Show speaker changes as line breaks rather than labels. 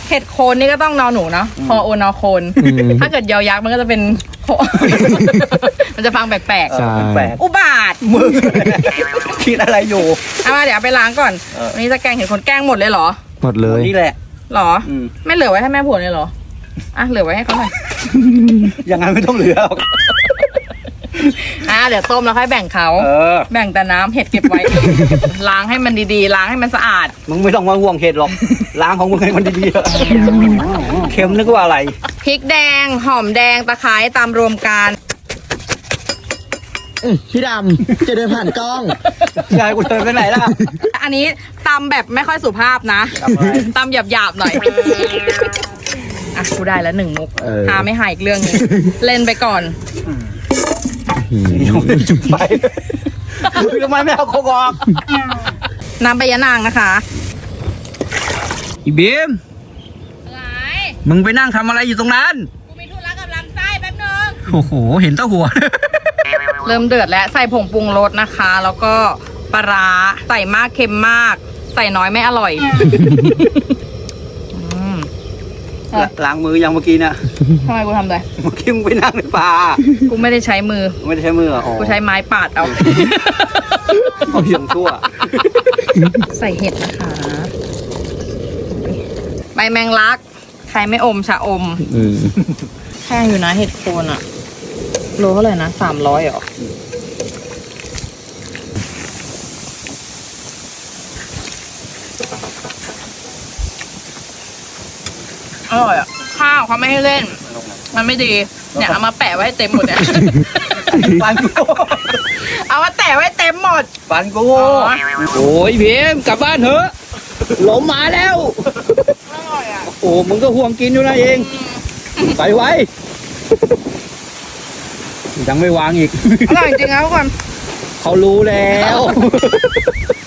เห็ดโคนนี่ก็ต้องนอหนูเนาะพอโอนอโคน ถ้าเกิดยอยักษ์มันก็จะเป็น มันจะฟังแปลก
ใช่
แปลก
ๆอุบาท
มึงคิดอะไรอยู่
เอามาเดี๋ยวเอาไปล้างก่อนวันนี้จะแกงเห็ดโคนแกงหมดเลยเหรอ
หมดเลย
นี่แหละ
หรอ
อืม
ไม่เหลือไว้ให้แม่ผัวเลยเหรออ่ะเหลือไว้ให้เขาหน่อย
อย่างนั้นไม่ต้องเหลือหรอก
เดี๋ยวต้มแล้วค่อยแบ่งเขา แบ่งแต่น้ำเห็ดเก็บไว้ ล้างให้มันดีๆล้างให้มันสะอาด
มึงไม่ต้องมาห่วงเห็ดหรอกล้างของมึงให้มันดีๆเถอะเค็มนึกว่าอะไร
พริกแดงหอมแดงตะไคร้ตามรวมกัน
พี่ดำจะเดินผ่านกล้อง
ยายกูเดินไปไหนล่ะ
อันนี้ตำแบบไม่ค่อยสุภาพนะ
ตำอะไร
ตำหยาบๆหน่อยอ่ะกูได้แล้ว1 มุก
เออ
หาไม่หายอีกเรื่องนึงเล่นไปก่อน
ยังไม่ได้จุดไฟทำไมไม่เอาโคกออก
น้ำใบยะนางนะคะ
อีบีม
อะไร
มึงไปนั่งทำอะไรอยู่ตรงนั้น
กูมีธุระกับลำไส้แป๊บนึง
โอ้โหเห็นเต้าหัว
เริ่มเดือดแล้วใส่ผงปรุงรสนะคะ แล้วก็ปลาร้าใส่มากเค็มมาก ใส่น้อยไม่อร่อยอืม
ล้างมือยังเมื่อกี้เนี่ย
ทำไมกูทำเลย
เมื่อกี้มึงไปนั่งในป่า
กูไม่ได้ใช้มือ
ไม่ได้ใช้มือเหรออ๋อ
กูใช้ไม้ปาดเอา
เอาเหี่ยงชั่ว
ใส่เห็ดนะคะใบแมงลัก ใครไม่อมชะอม แพงอยู่นะเห็ดโคนอะโลเท่าไหร่นะ300หรอ อร่อยอ่ะ ข้าวเขาไม่ให้เล่น มันไม่ดี เนี่ยเอามาแปะไว้ให้เต็มหมดเนี่ย
ฟันกู
เอามาแปะไว้เต็มหมด
ฟันกู
อ๋อ
โอ้ยพีมกลับบ้านเถอะหลมมาแล้ว
อร่อยอ่ะ
โอ้มึงก็ห่วงกินอยู่นะเอง ไปไว้ ยังไม่วางอีก
อร่อยจริงๆนะทุกคน
เขารู้แล้ว